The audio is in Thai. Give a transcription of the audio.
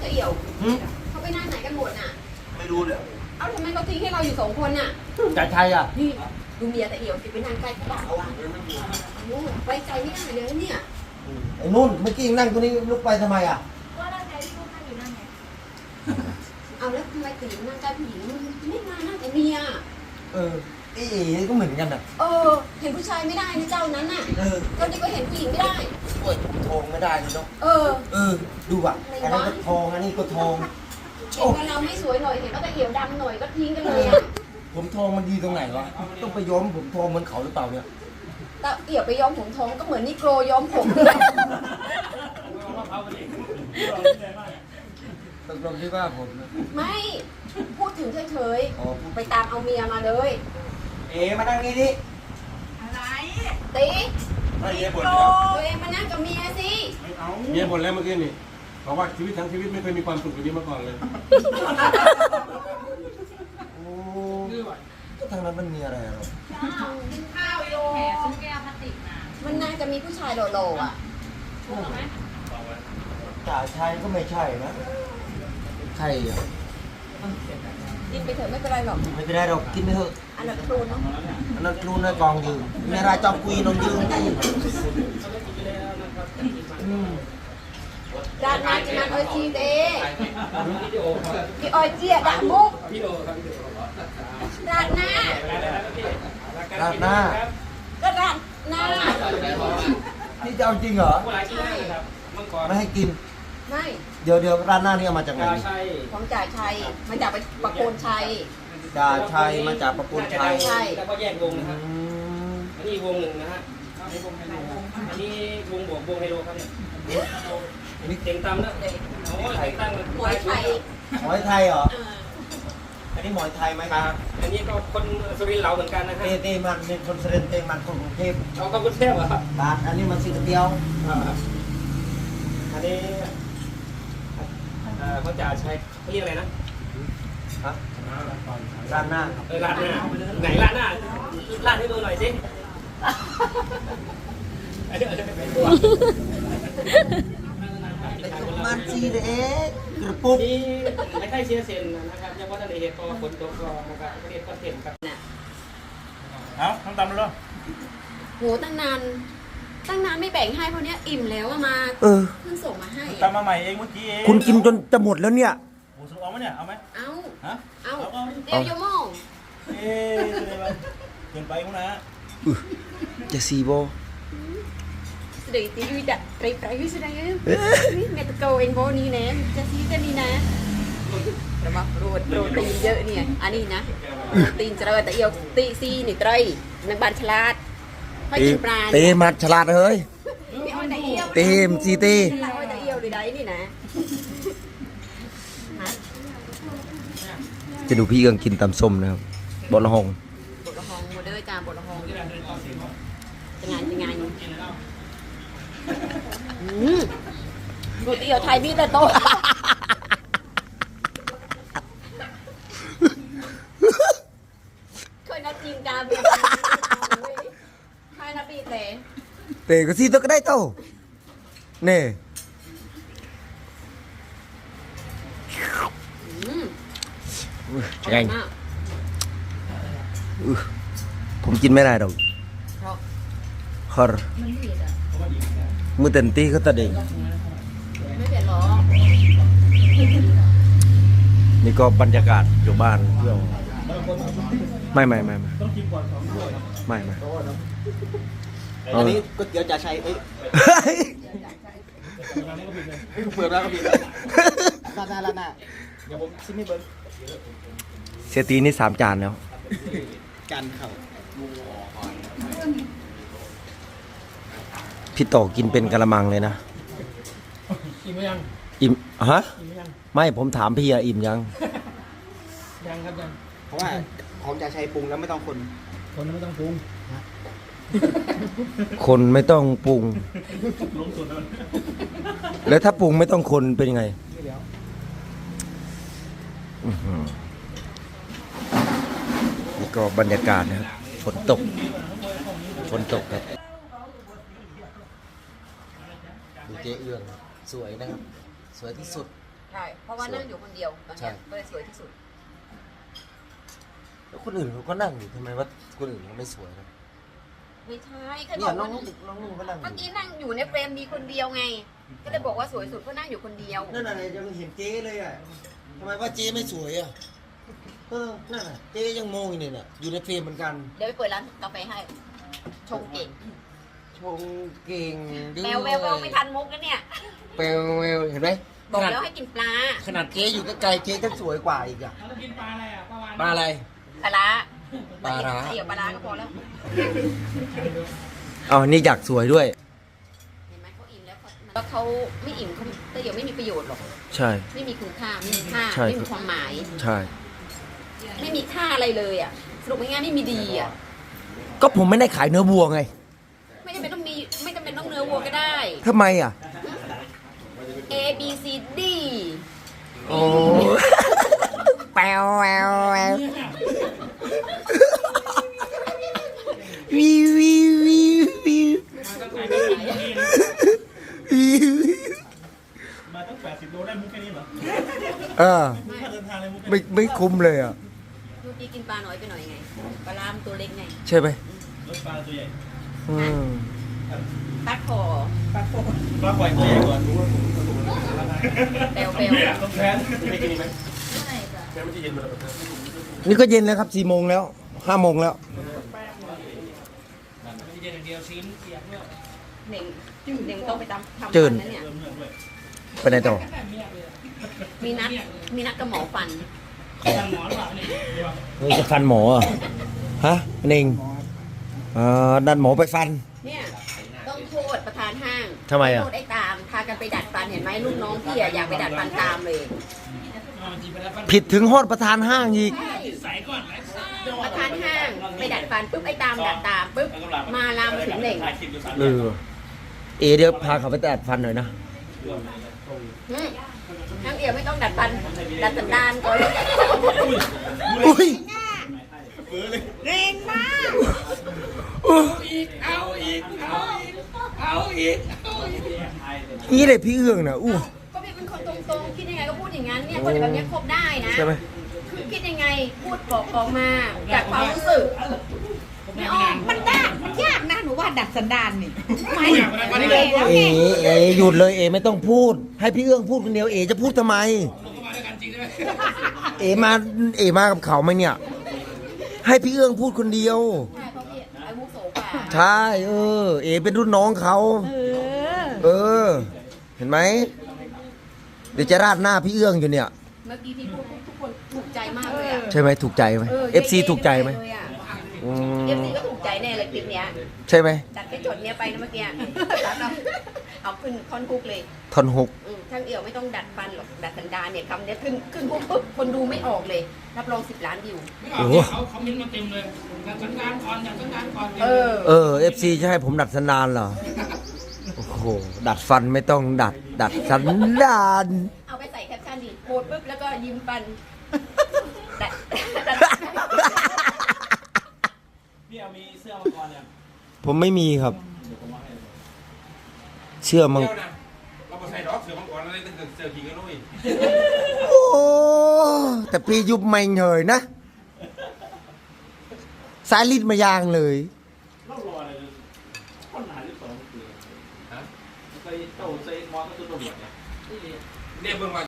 เอี่ยวเขาไปนั่งไหนกันหมดน่ะไม่รู้เลยเอ้าทำไมเขาทิ้งให้เราอยู่2 คนน่ะจ่ายชัยอ่ะนี่ดูเมียตะเอี่ยวสิไปนั่งใกล้เขาบ่าวอ่ะไว้ใจไม่ได้เลยเนี่ยไอ้นุ่นเมื่อกี้นั่งตัวนี้ลุกไปทำไมอ่ะก็นั่งใจที่ลูกนั่งอยู่นั่นไงเอาแล้วทำไมตีนั่งใกล้ผู้หญิงไม่มานั่งแต่เมียไอ้ก็เหมือนกันอ่ะเห็นผู้ชายไม่ได้นะเจ้านั้นน่ะก็นี่ก็เห็นผู้หญิงไม่ได้โอ้ยทองไม่ได้เลยเนาะดูอ่ะอันนั้นก็ทองอันนี้ก็ทองเห็นว่าเราไม่สวยหน่อยเห็นว่าตะเอี่ยวดำหน่อยก็ทิ้งกันเลยอ่ะผมทองมันดีตรงไหนวะต้องไปย้อมผมทองเหมือนเขาหรือเปล่าเนี่ยตะเอี่ยวไปย้อมผมทองก็เหมือนนิโกรย้อมผมตกลงที่ว่าผมไม่พูดถึงเฉยๆไปตามเอาเมียมาเลยมานั่งนี่ดิอะไรตีไม่เมียบ่นตัวเองมานั่งกับเมียสิเมียบ่นแล้วเมื่อกี้นี่บอกว่าชีวิตทั้งชีวิตไม่เคยมีความสุขแบบนี้มาก่อนเลยโอ้ก็ทางนั้นมันมีอะไรหรอข้าวโยแหมซื้อแก้วพลาสติกมามันน่าจะมีผู้ชายโหล่ๆอ่ะจ่าชัยก็ไม่ใช่นะใช่อ่ะกินไปเถอะไม่เป็นไรหรอกไม่เป็นไรหรอกกินไปเถอะอันนั้นครูเนาะอันนั้นครูในกองยืนในรายจอมกุยนนยืนที่ด้านหน้าจะมันอ้อยจีเต้พี่อ้อยเจี๊ยด่ามุกด้านหน้าราดหน้าก็ด้านหน้าที่จะเอาจริงเหรอไม่ให้กินไม่เดี๋ยวร้านหน้านี่เอามาจากไหนของจ่าชัยมาจากประโคนชัยจ่าชัยมาจากประโคนชัยใช่แล้วก็แยกวงนะครับอันนี้วงหนึ่งนะฮะอันนี้วงบวกวงไฮโลครับเนี่ยอันนี้เต็งตำนะโอ้ยเต็งตำหมวยไทยหมวยไทยเหรออันนี้หมวยไทยไหมครับอันนี้ก็คนสุรินทร์เราเหมือนกันนะฮะเต้มันเป็นคนสุรินทร์เต้มันคนกรุงเทพเอากรุงเทพเหรอครับอันนี้มันสีเดียวอันนี้เขาจะใช้เขาเรียกอะไรนะร้านหน้าร้านหน้าไหนร้านหน้าร้านให้ดูหน่อยสิมันจีเด็กกระปุกนี่ไม่ใช่เชียร์เซนนะครับยังว่าทะเลเหตุก็ฝนตกก็นะครับประเทศก็เห็นครับเอาทำตามเลยโหตั้งนานไม่แบ่งให้เพราะเนี้ยอิ่มแล้วมาเพิ่งส่งมาให้ตามมาใหม่เองเมื่อกี้เองคุณกินจนจะหมดแล้วเนี่ยหมูสุกเอาไหมเนี่ยเอาไหมเอาฮะเอาเดี๋ยวโยมองเกินไปมั้งนะจะซีโบเดี๋ยวตีวิดะไปวิสุดายเมตโกเองโบนี่นะจะซีกันนี่นะระวังโปรตีนเยอะเนี่ยอันนี้นะตีนเจริญแต่เอียวตีซีนี่ไตรนักบานฉลาดให้กินปลาเต้มาฉลาดเฮ้ยเต้มซีเต้แต่เอียวหรือใดนี่นะจะดูพี่กังกินตำส้มนะครับบดละหงโมเดอร์จามบดละหงจะงานดูเตี๋ยวไทยมีแต่โตเคยนัดจีนกาเบียใครนัดปีเตะก็ซีตัวก็ได้โตเน่ไงผมกินไม่ได้ดอกฮอร์มือเต็มที่ก็ตะเด็งไม่เผ็ดหรอนี่ก็บรรยากาศอยู่บ้านไม่อันนี้ก๋วยเตี๋ยวจ่าชัยเปิดแล้วก็ผิดร้านหน้าเดี๋ยวผมซิไม่เบิ้ลเซตีนี่3 จานแล้วจานเข่าพี่โตกินเป็นกะละมังเลยนะอิ่มไหมยังอิ่มฮะไม่ผมถามพี่อะอิ่มยังครับยังเพราะว่าของจ่าชัยปรุงแล้วไม่ต้องคนไม่ต้องปรุงคนไม่ต้องปรุงแล้วถ้าปรุงไม่ต้องคนเป็นยังไงนี่ก็บรรยากาศนะครับฝนตกครับดูเจ๊เอื้องสวยนะครับสวยที่สุดใช่เพราะว่านั่งอยู่คนเดียวตอนใช่เนี้ยก็เลยสวยที่สุดแล้วคนอื่นเขาก็นั่งอยู่ทำไมว่าคนอื่นเขาไม่สวยนะไม่ใช่ใครบเนี่อย กน้อว่างนุ่งก็นั่งอเมื่อยู่ กี้นั่งอยู่ในเฟรมมีคนเดียวไง ก็เลยบอกว่าสวยสุดเพราะนั่งอยู่คนเดียวนั่นอะไรยังเห็นเจ๊เลยอ่ะทำไมว่าเจ๊ไม่สวยอ่ะนั่นน่ะเจ๊ยังมองอยู่เนี่ยน่ะอยู่ในเฟรมเหมือนกันเดี๋ยวไปเปิดร้านกาแฟให้ ชงเก่งชงเก่งด้วยแววแววแววไม่ทันมุกแล้วเนี่ยแววแววเห็นไหมบอกแล้วให้กินปลาขนาดเจ๊อยู่ใกล้ๆเจ๊ก็สวยกว่าอีกอ่ะเรากินปลาอะไรอ่ะปลาวานปลาอะไรปลาร้าปลาร้าเดี๋ยวปลาร้าก็พอแล้วอ๋อนี่อยากสวยด้วยเห็นไหมเขาอิ่มแล้วแล้วเขาไม่อิ่มเขาแต่เดี๋ยวไม่มีประโยชน์หรอกใช่ไม่มีคุณค่าไม่มีค่าใช่ไม่มีความหมายใช่ไม่มีค่าอะไรเลยอ่ะสรุปง่ายๆไม่มีดีอ่ะก็ผมไม่ได้ขายเนื้อวัวไงไม่จำเป็นต้องมีไม่จำเป็นต้องเนื้อวัวก็ได้ทำไมอ่ะ A B C D โอ้แปวแววแวววิววิววิววิวต้องขายไม่กินนี่นะวิวมาตั้ง80 โลได้มุกแค่นี้เหรอเออค่าเดินทางเลยมุกไม่คุ้มเลยอ่ะลูกพี่กินปลาน้อยไปหน่อยไงปลาลามตัวเล็กไงใช่ไหมรถปลาตัวใหญ่อืมตัดคอปลาปล่อยตัวใหญ่ก่อนแปลวแปลวต้องแพนไม่กินไหมแพนมันจะเย็นหมดแล้วนี่ก็เย็นแล้วครับ4 โมงแล้ว5 โมงแล้วเย็นอย่างเดียวชิ้นเสียบด้วยเน่งเน่งต้องไปทำฟันนะเนี่ยไปไหนต่อมีนัดกับหมอฟันทางหมอหรือเปล่าเนี่ยเฮ้ยจะฟันหมอเหรอฮะเน่งดันหมอไปฟันเนี่ยต้องโทษประธานห้างทำไมอะโทษไอ้ตามพากันไปดัดฟันเห็นไหมลูกน้องพี่อะอยากไปดัดฟันตามเลยจีบไปแล้วฟันผิดถึงฮอดประธานห้างอีกใช่ใส่ก่อนไหมประธานห้างไปดัดฟันปุ๊บไอ้ตามดัดตามปุ๊บมาลามถึงเหน่งเออเดี๋ยวพาเขาไปตัดฟันหน่อยนะทั้งเอี่ยวไม่ต้องดัดฟันดัดสันดานก่อนอุ้ยเร่งมากนี่เลยพี่เอื้องนะอู้ก็พี่เป็นคนตรงๆคิดยังไงก็พูดอย่างนั้นเนี่ยคนแบบนี้คบได้นะใช่ไหมคือคิดยังไงพูดบอกออกมาจากความรู้สึกไม่ออกมันยากนะหนูว่าดัดสันดานนี่ไม่เลยนะเอหยุดเลยไม่ต้องพูด ให้พี่เอื้องพูดคนเดียวจะพูดทำไม มากับเขาไหมเนี่ย ให้พี่เอื้องพูดคนเดียวใช่เพราะพี่อาวุโสกว่าใช่เป็นรุ่นน้องเขาเห็นไหมเดี๋ยวจะราดหน้าพี่เอื้องอยู่เนี่ยเมื่อกี้ที่พูดทุกคนถูกใจมากเลยอ่ะใช่ไหมถูกใจไหม FC ถูกใจไหมเอฟซีก็ถูกใจแน่เลยคลิปเนี้ยใช่ไหมจัดไปจดเนี้ยไปนะเมื่อกี้เอาขึ้นคอนคุกเลยทอนหกช่างเอี่ยวไม่ต้องดัดฟันหรอกดัดสันดานเนี่ยคำเนี้ยขึ้นปุ๊บคนดูไม่ออกเลยรับรอง10 ล้านวิวไม่ออกเนี่ยเขาคอมเมนต์มาเต็มเลยอยากสันดานก่อนอยากสันดานก่อน FC จะให้ผมดัดสันดานเหรอโอ้โหดัดฟันไม่ต้องดัดสันดานเอาไปใส่แคปชั่นดิโพสปุ๊บแล้วก็ยิ้มฟันดัดพี่เอามีเสื้อมาก่อนเนี่ยผมไม่มีครับ เชื่อมังเดี๋ยวนะเราไปใส่ดอกเสือมังกรอะไรตั้งแต่เสือขิงกันด้วยโอ้แต่พี่ยุบไม่เหยนะสายลิ้นมายางเลยเล่ารออะไรเลยคนหาที่สองคือฮะไปโต้ใส่มอสก็ตัวตำรวจเนี่ยเนี่ยเบิ่งว่า